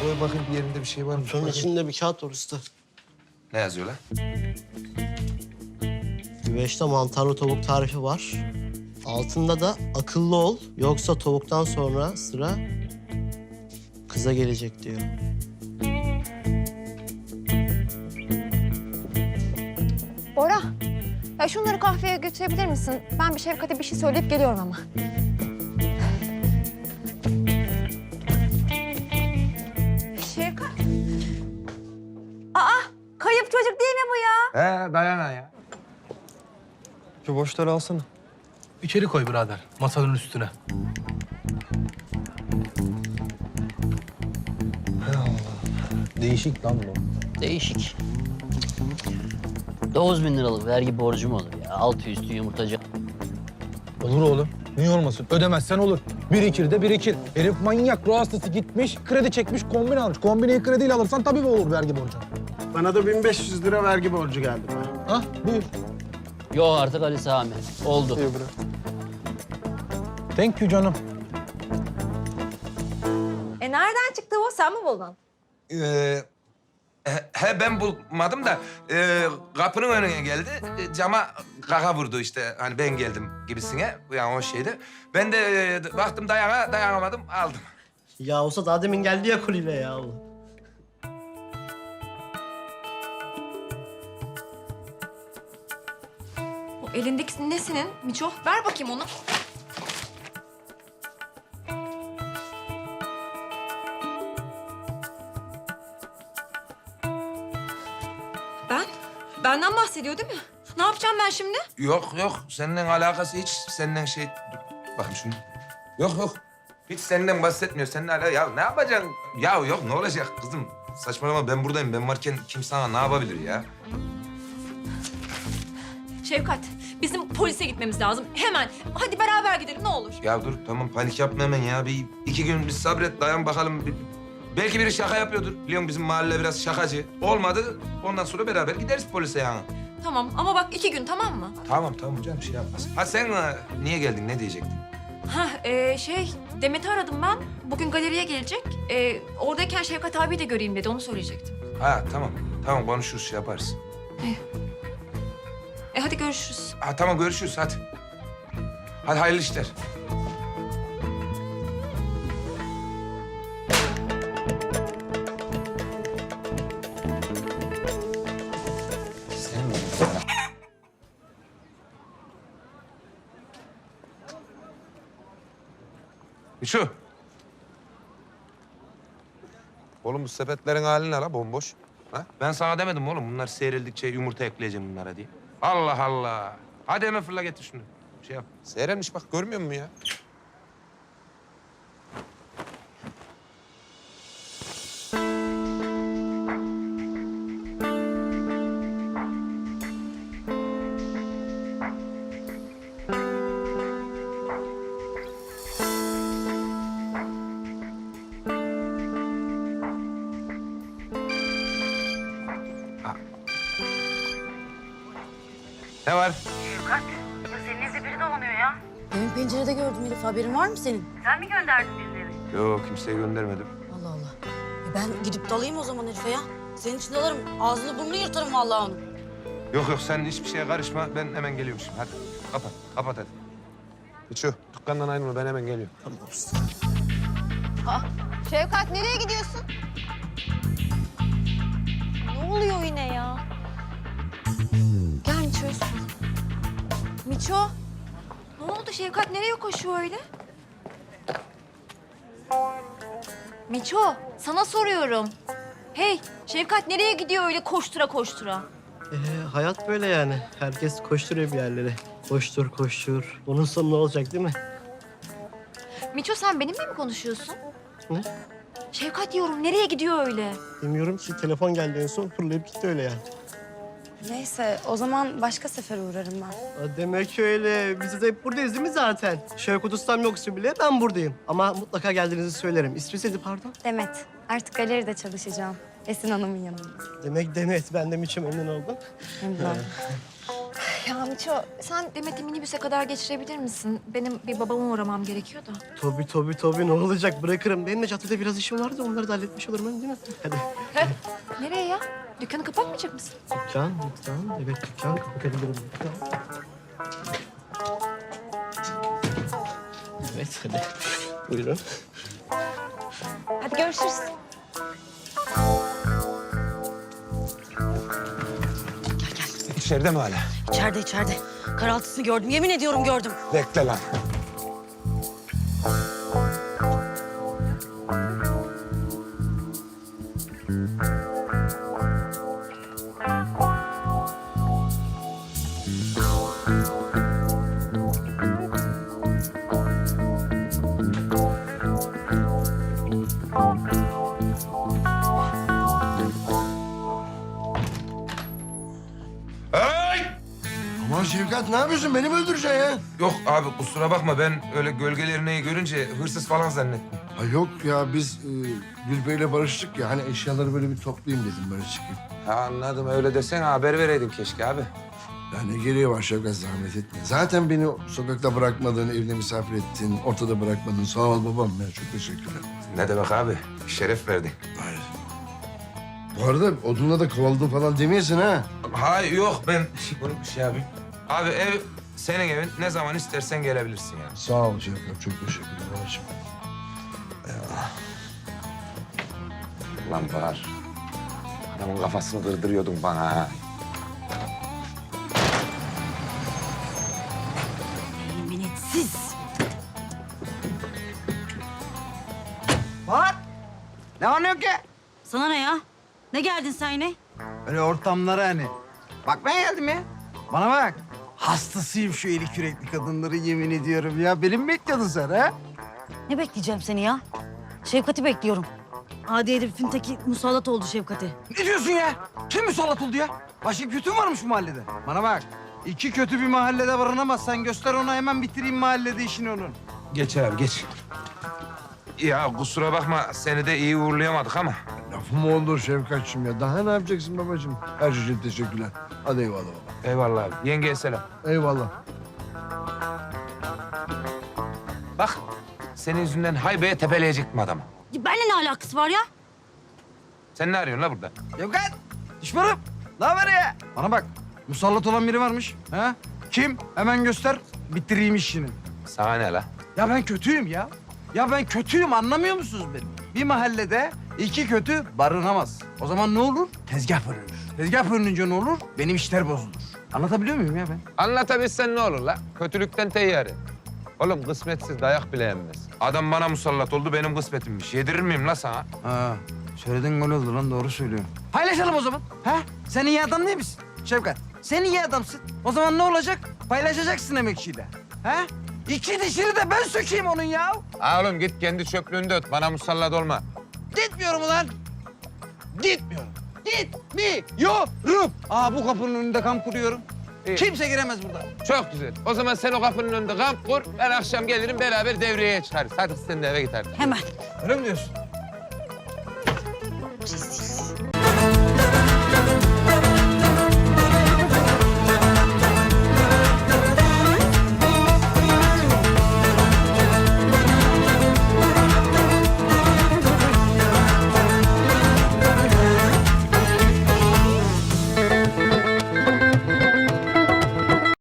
Koy bakayım bir yerinde bir şey var mı? Şunun içinde bir kağıt var usta. Ne yazıyor lan? Güveçte mantarlı tavuk tarifi var. Altında da akıllı ol yoksa tavuktan sonra sıra kıza gelecek diyor. Bora, ya şunları kahveye götürebilir misin? Ben bir Şevkat'e bir şey söyleyip geliyorum ama. Şevkat. Aa, kayıp çocuk değil mi bu ya? He dayana ya. Şu boşları alsana. İçeri koy birader, masanın üstüne. Değişik lan bu. Değişik. 9.000 liralık vergi borcum olur ya. Altı üstü yumurtacı. Olur oğlum. Niye olmasın? Ödemezsen olur. Birikir de birikir. Herif manyak, ruh hastası gitmiş, kredi çekmiş, kombin almış. Kombineyi krediyle alırsan tabii olur vergi borcu. Bana da 1500 lira vergi borcu geldi. Ah, buyur. Yok artık Ali Sami. Oldu. Thank you canım. Nereden çıktı o? Sen mi buldun? He ben bulmadım da kapının önüne geldi. Cama kaka vurdu işte hani ben geldim gibisine. Yani o şeydi. Ben de baktım dayanamadım aldım. Ya olsa daha demin geldi ya koliyle ya. O elindeki ne senin? Miço, ver bakayım onu. Benden bahsediyor değil mi? Ne yapacağım ben şimdi? Yok seninle alakası hiç senden şey... Dur bakayım şunu. Yok. Hiç senden bahsetmiyor. Seninle alakası... Ya ne yapacaksın? Ya yok ne olacak kızım? Saçmalama ben buradayım. Ben varken kim sana ne yapabilir ya? Şevkat, bizim polise gitmemiz lazım. Hemen. Hadi beraber gidelim ne olur. Ya dur tamam panik yapma hemen ya. Bir iki gün bir sabret dayan bakalım. Belki biri şaka yapıyordur. Biliyorsun bizim mahalle biraz şakacı. Olmadı ondan sonra beraber gideriz polise yani. Tamam ama bak 2 gün tamam mı? Tamam canım şey yapmaz. Ha sen niye geldin ne diyecektin? Demet'i aradım ben. Bugün galeriye gelecek. Oradayken Şevkat abi de göreyim dedi. Onu söyleyecektim. Ha tamam konuşuruz şey yaparız. Hadi görüşürüz. Ha tamam görüşürüz hadi. Hadi hayırlı işler. Şu. Oğlum bu sepetlerin hali ne la bomboş? Ha? Ben sana demedim mi oğlum bunlar seyrildikçe yumurta ekleyeceğim bunlara diye. Allah Allah. Hadi hemen fırla getir şunu. Şey yap. Seyrelmiş bak görmüyor musun ya? Ne var? Şevkat, ya senin evde biri dolanıyor ya. Demin pencerede gördüm Elif. Haberin var mı senin? Sen mi gönderdin birileri? Yok kimseye göndermedim. Allah Allah. Ben gidip dalayım o zaman Elif'e ya. Senin için dalarım. Ağzını burnunu yırtarım vallahi onu. Yok sen hiçbir şeye karışma. Ben hemen geliyorum şimdi. Hadi kapat hadi. Şu dükkandan ayrılma ben hemen geliyorum. Tamam usta. Şevkat nereye gidiyorsun? Ne oluyor yine ya? Gel Miço'ya sor. Miço, ne oldu Şevkat nereye koşuyor öyle? Miço, sana soruyorum. Hey, Şevkat nereye gidiyor öyle koştura koştura? Hayat böyle yani. Herkes koşturuyor bir yerlere. Koştur. Bunun sonu ne olacak değil mi? Miço sen benimle mi konuşuyorsun? Ne? Şevkat diyorum nereye gidiyor öyle? Bilmiyorum ki telefon geldi en son fırlayıp gitti öyle yani. Neyse o zaman başka sefer uğrarım ben. Demek öyle. Biz de hep buradayız değil mi zaten? Şevkut ustam yoksa bile ben buradayım. Ama mutlaka geldiğinizi söylerim. İsmi neydi pardon? Demet, artık galeride çalışacağım. Esin Hanım'ın yanında. Demek Demet. Ben de Miço memnun oldum. Memnun oldum. Ya Miço, sen Demet'i minibüse kadar geçirebilir misin? Benim bir babama uğramam gerekiyor da. Tabii ne olacak bırakırım. Benim de caddede biraz işim vardı onları da halletmiş olurum değil mi? Hadi. Nereye ya? Dükkanı kapatmayacak mısın? Dükkan. Evet dükkan kapatabilirim. Dükkan. Evet hadi. Buyurun. Hadi görüşürüz. İçeride mi hala? İçeride. Karaltısını gördüm. Yemin ediyorum gördüm. Bekle lan. Ay! Aman Şevkat ne yapıyorsun? Beni mi öldüreceksin ya? Yok abi kusura bakma ben öyle gölgelerini görünce hırsız falan zannettim. Ha yok ya biz Gülbey'le barıştık ya. Hani eşyaları böyle bir toplayayım dedim böyle çıkayım. Ha anladım öyle desene haber vereydin keşke abi. Ya ne gereği var Şevkat zahmet etme. Zaten beni sokakta bırakmadın, evde misafir ettin, ortada bırakmadın. Sağ ol babam ya çok teşekkürler. Ne demek abi şeref verdin. Hayır. Bu arada odunla da kovaladım falan demeyesin ha. Hayır yok ben bunu şey yapayım. Abi ev senin evin ne zaman istersen gelebilirsin yani. Sağ ol Şevkat çok teşekkürler babacığım. Lan Bahar. Adamın kafasını kırdırıyordun bana ha. Yeminitsiz. Bak! Ne oluyor ki? Sana ne ya? Ne geldin sen yine? Öyle ortamlara hani. Bakmaya geldim ya. Bana bak. Hastasıyım şu eli kürekli kadınları yemin ediyorum ya. Beni mi bekliyordun sen ha? Ne bekleyeceğim seni ya? Şefkat'i bekliyorum. Adi herifin teki musallat oldu Şefkat'e. Ne diyorsun ya? Kim musallat oldu ya? Başka kötü mü varmış bu mahallede? Bana bak. İki kötü bir mahallede barınamazsan göster ona hemen bitireyim mahallede işini onun. Geç abi geç. Ya kusura bakma seni de iyi uğurlayamadık ama. Lafım olur Şevkat'cığım ya. Daha ne yapacaksın babacığım? Her şey için teşekkürler. Hadi eyvallah baba. Eyvallah abi. Yengeye selam. Eyvallah. Bak senin yüzünden haybeye tepeleyecektim adamı. Ya benimle ne alakası var ya? Sen ne arıyorsun la burada? Şevkat! Düşmanım! Ne haber ya? Bana bak. Musallat olan biri varmış. Ha? Kim? Hemen göster. Bitireyim işini. Sana ne la? Ya ben kötüyüm ya. Ya ben kötüyüm anlamıyor musunuz beni? Bir mahallede iki kötü barınamaz. O zaman ne olur? Tezgah bölünür. Tezgah bölününce ne olur? Benim işler bozulur. Anlatabiliyor muyum ya ben? Anlatabilsen ne olur la? Kötülükten teyyare. Oğlum kısmetsiz dayak bile yenmez. Adam bana musallat oldu benim kısmetimmiş. Yedirir miyim la sana? Ha, söylediğin gol oldu lan doğru söylüyorsun. Paylaşalım o zaman. Ha? Sen iyi adam değil misin Şevkat? Sen iyi adamsın. O zaman ne olacak? Paylaşacaksın emekçiyle. Ha? İki dişini de ben sökeyim onun ya. Ha oğlum git kendi çöplüğünde öt. Bana musallat olma. Gitmiyorum ulan. Gitmiyorum. Gitmiyorum. Bu kapının önünde kamp kuruyorum. İyi. Kimse giremez burada. Çok güzel. O zaman sen o kapının önünde kamp kur. Ben akşam gelirim beraber devreye çıkarız. Hadi sen de eve git artık. Hemen. Öyle mi diyorsun?